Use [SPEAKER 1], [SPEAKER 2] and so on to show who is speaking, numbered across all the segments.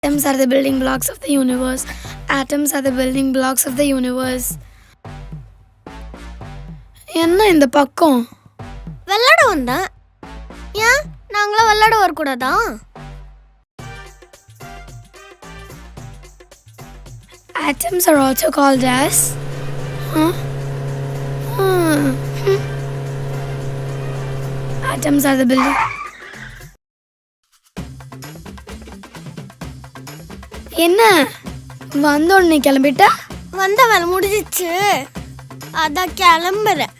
[SPEAKER 1] Atoms are the building blocks of the universe. Atoms are the building blocks of the universe. என்ன இந்த பக்கம்
[SPEAKER 2] வெள்ளாட வந்தேன். ஏன் நாங்களா வெள்ளாட வரக்கூடாதா?
[SPEAKER 1] Atoms are also called as Atoms are the building. என்ன வந்தோடனே கிளம்பிட்டா?
[SPEAKER 2] வந்த வேலை முடிஞ்சிச்சு, அதான் கிளம்புறேன்.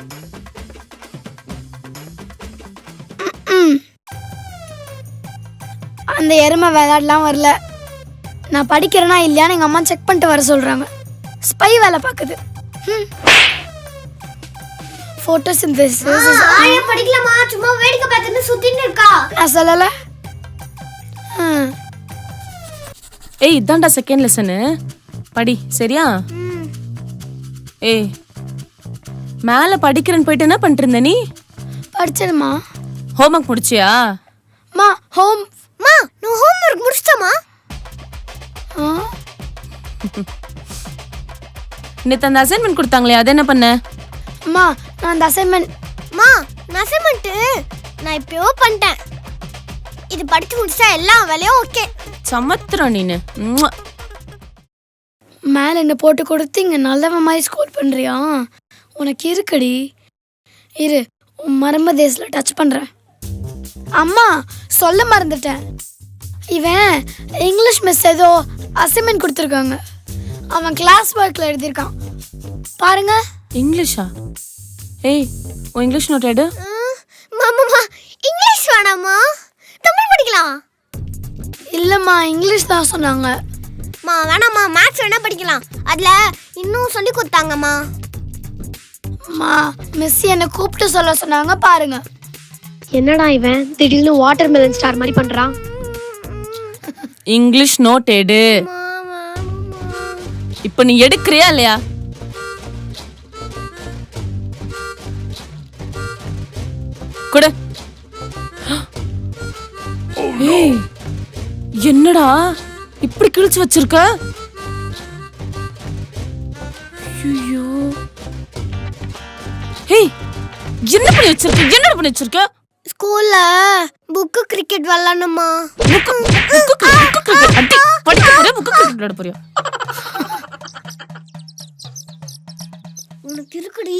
[SPEAKER 1] அந்த எருமை விளையாடலாம் வரல. நான் படிக்கிறேனா இல்லையான்னு எங்கள் அம்மா செக் பண்ணிட்டு வர சொல்கிறாங்க. ஸ்பை வேலை பார்க்குது. ஃபோட்டோசிந்தசிஸ்
[SPEAKER 2] படிக்கலாமா? சும்மா வேடிக்கை பார்த்துட்டு சுத்திட்டு இருக்கா.
[SPEAKER 1] நான் சொல்லலை.
[SPEAKER 3] ஏய் இதான்டா செகண்ட் லெசனு, படி சரியா? ஏய் மேலே படிக்கிறேன்னு போயிட்டு என்ன பண்ணிட்டு இருந்த நீ?
[SPEAKER 1] படிச்சதுமா.
[SPEAKER 3] ஹோம்ஒர்க் முடிச்சியா?
[SPEAKER 1] மா ஹோம்
[SPEAKER 2] மா நான் ஹோம்வொர்க் முடிச்சிட்டமா.
[SPEAKER 3] நேற்று அந்த அசைன்மெண்ட் கொடுத்தாங்களே அது என்ன பண்ண?
[SPEAKER 1] அம்மா நான் அந்த அசைன்மெண்ட்
[SPEAKER 2] நான் அசைன்மெண்ட் நான் இப்பயோ பண்ணிட்டேன். இது படிச்சு முடிச்சா எல்லா வேலையும் ஓகே.
[SPEAKER 3] சமத்துறோம் நீனு.
[SPEAKER 1] மேலே என்ன போட்டு கொடுத்து இங்கே நல்லவ மாதிரி ஸ்கோர் பண்ணுறியா? உனக்கு இருக்குடி. இரு உன் மரம்ப தேசில் டச் பண்ணுறேன். அம்மா சொல்ல மறந்துட்டேன். இவன் இங்கிலீஷ் மிஸ் ஏதோ அசைன்மெண்ட் கொடுத்துருக்காங்க. அவன் கிளாஸ் ஒர்க்கில் எழுதியிருக்கான் பாருங்க.
[SPEAKER 3] இங்கிலீஷா? ஏய் உன் இங்கிலீஷ் நோட் எடு.
[SPEAKER 2] மாமா இங்கிலீஷ் வேணாமா, தமிழ் படிக்கலாம்.
[SPEAKER 1] இல்லைம்மா இங்கிலீஷ் தான் சொன்னாங்க.
[SPEAKER 2] வேணாம்மா, மேத்ஸ் வேணா படிக்கலாம். அதுல இன்னும் சொல்லி கொடுத்தாங்கம்மா.
[SPEAKER 1] மிஸ் என்னை கூப்பிட்டு சொல்ல சொன்னாங்க பாருங்க.
[SPEAKER 4] என்னடா இவன் திடீர்னு வாட்டர் மெலன் ஸ்டார் மாதிரி பண்றான்?
[SPEAKER 3] இங்கிலீஷ் நோட் எடு. இப்போ நீ எடுக்கிறியா இல்லையா? கொடு. ஏய் என்னடா இப்படி கிழிச்சு வச்சிருக்க? ஐயோ ஏய் என்ன பண்ணி வச்சிருக்க? என்னடா பண்ணி வச்சிருக்க?
[SPEAKER 2] ஸ்கூல்ல புக்கு கிரிக்கெட் விளையாடணுமா. உனக்கு இருக்குடி.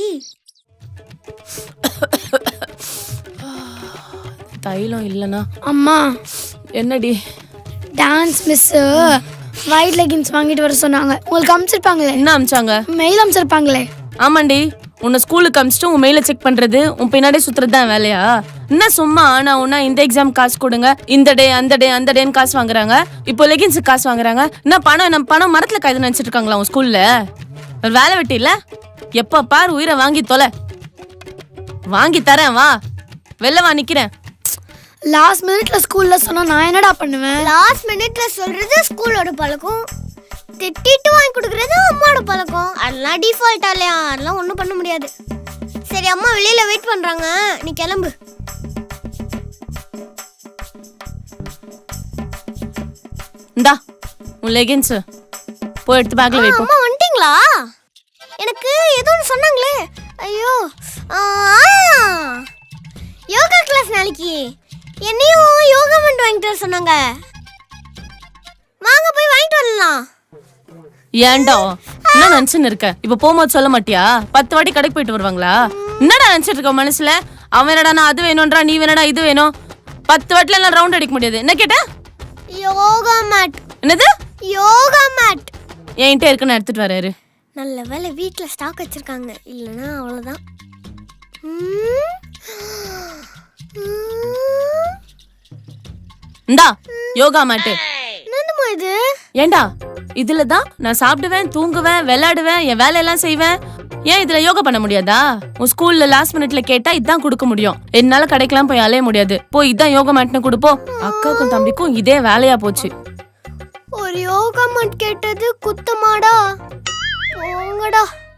[SPEAKER 3] தைலம் இல்லனா?
[SPEAKER 1] அம்மா
[SPEAKER 3] என்னடி?
[SPEAKER 1] டான்ஸ் மிஸ் ஒயிட் லெகின்ஸ் வாங்கிட்டு வர சொன்னாங்க. உங்களுக்கு அனுப்பிச்சிருப்பாங்களே.
[SPEAKER 3] என்ன அனுப்பிச்சாங்க?
[SPEAKER 1] மெயில் அனுப்பிச்சிருப்பாங்களே.
[SPEAKER 3] ஆமாண்டி, உன்னை ஸ்கூலுக்கு அனுப்பிச்சிட்டு உன் மெயில செக் பண்றது உன் பின்னாடியே சுத்துறது தான் வேலையா? என்ன சும்மா ஆனா உன்னா இந்த எக்ஸாம் காசு கொடுங்க, இந்த டே அந்த டேன்னு காசு வாங்குறாங்க, இப்போ லெகின்ஸுக்கு காசு வாங்குறாங்க. என்ன பணம் நம்ம பணம் மரத்துல காய்து நினைச்சிட்டு இருக்காங்களா உன் ஸ்கூல்ல? ஒரு வேலை வெட்டி இல்ல? எப்ப பாரு உயிரை வாங்கி தொலை. வாங்கி தரேன் வா, வெளில வா நிக்கிறேன்.
[SPEAKER 1] லாஸ்ட் மினிட்ல ஸ்கூல்ல சொன்னா நான் என்னடா பண்ணுவேன்?
[SPEAKER 2] லாஸ்ட் மினிட்ல சொல்றது ஸ்கூலோட பழக்கம், திட்டிட்டு வாங்கி கொடுக்கறது அம்மாவோட பழக்கம். அதெல்லாம் டிஃபால்ட்டா இல்லையா? அதெல்லாம் ஒன்றும் பண்ண முடியாது. சரி அம்மா வெளியில வெயிட் பண்றாங்க, நீ கிளம்பு.
[SPEAKER 3] இந்தா உன் லெகின்ஸ் போய் எடுத்து பேக்ல வை.
[SPEAKER 2] அம்மா வந்துட்டீங்களா? எனக்கு ஏதோ ஒன்று சொன்னாங்களே. ஐயோ யோகா கிளாஸ் நாளைக்கு. என்னையும் யோகா பண்ணிட்டு வாங்கிட்டு வர சொன்னாங்க. வாங்க போய் வாங்கிட்டு வரலாம்.
[SPEAKER 3] ஏன்டா என்ன நினைச்சுன்னு இருக்க? இப்ப போகும்போது சொல்ல மாட்டியா? 10 வாட்டி கடைக்கு போயிட்டு வருவாங்களா? என்னடா நினைச்சிட்டு இருக்க மனசுல? அவன் என்னடா நான் அது வேணும்ன்றா, நீ வேணடா இது வேணும். 10 வாட்டில எல்லாம் ரவுண்ட் அடிக்க முடியாது. என்ன கேட்ட?
[SPEAKER 2] யோகா மேட்.
[SPEAKER 3] என்னது?
[SPEAKER 2] யோகா மேட்
[SPEAKER 3] என்கிட்ட இருக்குன்னு எடுத்துட்டு வராரு.
[SPEAKER 2] நல்ல வேலை வீட்டில் ஸ்டாக் வச்சிருக்காங்க, இல்லைன்னா அவ்வளோதான்.
[SPEAKER 3] இந்தா யோகா மேட்டு.
[SPEAKER 2] என்னமா இது?
[SPEAKER 3] ஏண்டா இதுல தான் நான் சாப்பிடுவேன், தூங்குவேன், விளையாடுவேன், என் வேலையெல்லாம் செய்வேன். ஏன் இதுல யோகா பண்ண முடியாதா? உன் ஸ்கூல்ல லாஸ்ட் மினிட்ல கேட்டா இதான் கொடுக்க முடியும். என்னால கடைக்கெல்லாம் போய் அலைய முடியாது. போய் இதான் யோகா மேட்னு கொடுப்போம். அக்காவுக்கும் தம்பிக்கும் இதே வேலையா போச்சு.
[SPEAKER 2] ஒரு யோகா மேட் கேட்டது குத்தமாடா? போங்கடா.